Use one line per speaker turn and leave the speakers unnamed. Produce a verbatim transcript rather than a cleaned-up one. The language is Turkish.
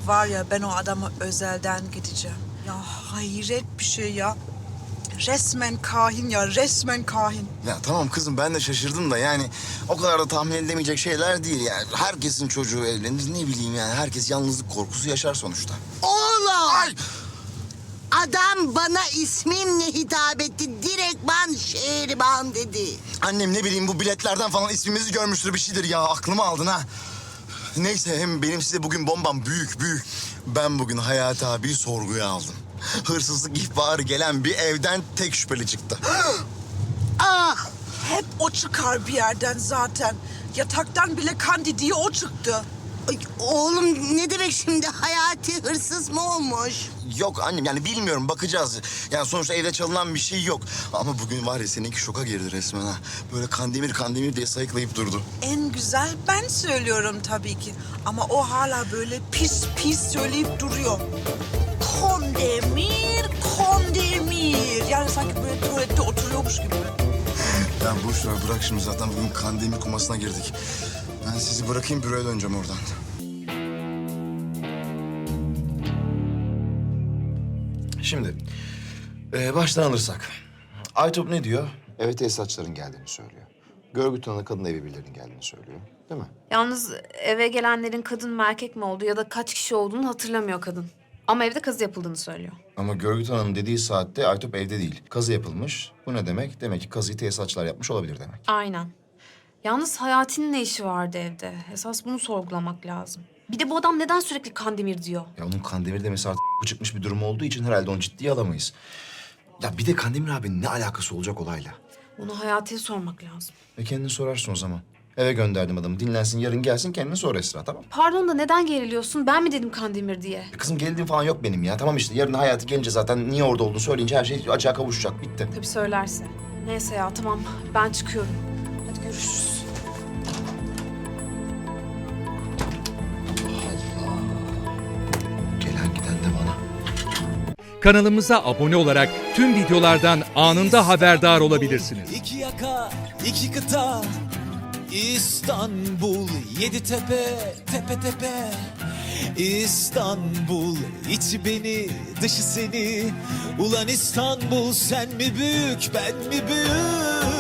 var ya, ben o adama özelden gideceğim. Ya hayret bir şey ya. Resmen kahin ya, resmen kahin.
Ya tamam kızım, ben de şaşırdım da yani o kadar da tahmin edilemeyecek şeyler değil yani. Herkesin çocuğu evlenir, ne bileyim yani, herkes yalnızlık korkusu yaşar sonuçta.
Oğlum!
Ay!
Adam bana ismimle hitap etti. Direktman Şehriban dedi.
Annem ne bileyim bu biletlerden falan ismimizi görmüştür, bir şeydir ya, aklımı aldın ha. Neyse, hem benim size bugün bombam büyük büyük. Ben bugün Hayati abiyi sorguya aldım. Hırsızlık ihbarı gelen bir evden tek şüpheli çıktı.
Ah!
Hep o çıkar bir yerden zaten. Yataktan bile Kandi diye o çıktı.
Ay, oğlum ne demek şimdi? Hayati hırsız mı olmuş?
Yok annem, yani bilmiyorum, bakacağız. Yani sonuçta evde çalınan bir şey yok. Ama bugün var ya, seninki şoka girdi resmen ha. Böyle Kandemir Kandemir diye sayıklayıp durdu.
En güzel ben söylüyorum tabii ki. Ama o hala böyle pis pis söyleyip duruyor. Kandemir, Kandemir. Yani sanki böyle tuvalette oturuyormuş gibi.
Ya boş ver, bırak şimdi, zaten bugün Kandemir kumasına girdik. Ben sizi bırakayım, büroya döneceğim oradan.
Şimdi e, baştan alırsak. Aytop ne diyor?
Eve tesisatçıların geldiğini söylüyor. Görgü tanığı kadın evi birilerinin geldiğini söylüyor. Değil mi?
Yalnız eve gelenlerin kadın mı erkek mi olduğu ya da kaç kişi olduğunu hatırlamıyor kadın. Ama evde kazı yapıldığını söylüyor.
Ama Görgü Hanım dediği saatte Aytop evde değil. Kazı yapılmış. Bu ne demek? Demek ki kazıyı tesisatçılar yapmış olabilir demek.
Aynen. Yalnız Hayati'nin ne işi vardı evde? Esas bunu sorgulamak lazım. Bir de bu adam neden sürekli Kandemir diyor?
Ya onun Kandemir demesi artık çıkmış bir durum olduğu için herhalde onu ciddiye alamayız. Ya bir de Kandemir abinin ne alakası olacak olayla?
Bunu Hayati'ye sormak lazım.
E kendini sorarsın o zaman. Eve gönderdim adamı. Dinlensin, yarın gelsin, kendini sor Esra, tamam?
Pardon da neden geriliyorsun? Ben mi dedim Kandemir diye?
E kızım, gerildiğim falan yok benim ya. Tamam işte, yarın Hayati gelince zaten niye orada olduğunu söyleyince her şey açığa kavuşacak. Bitti.
Tabii söylerse. Neyse ya tamam ben çıkıyorum. Hadi görüşürüz.
Gelen giden de bana.
Kanalımıza abone olarak tüm videolardan anında haberdar olabilirsiniz.
İki yaka, iki kıta, İstanbul, yedi tepe, tepe tepe. İstanbul, içi beni, dışı seni. Ulan İstanbul, sen mi büyük, ben mi büyük?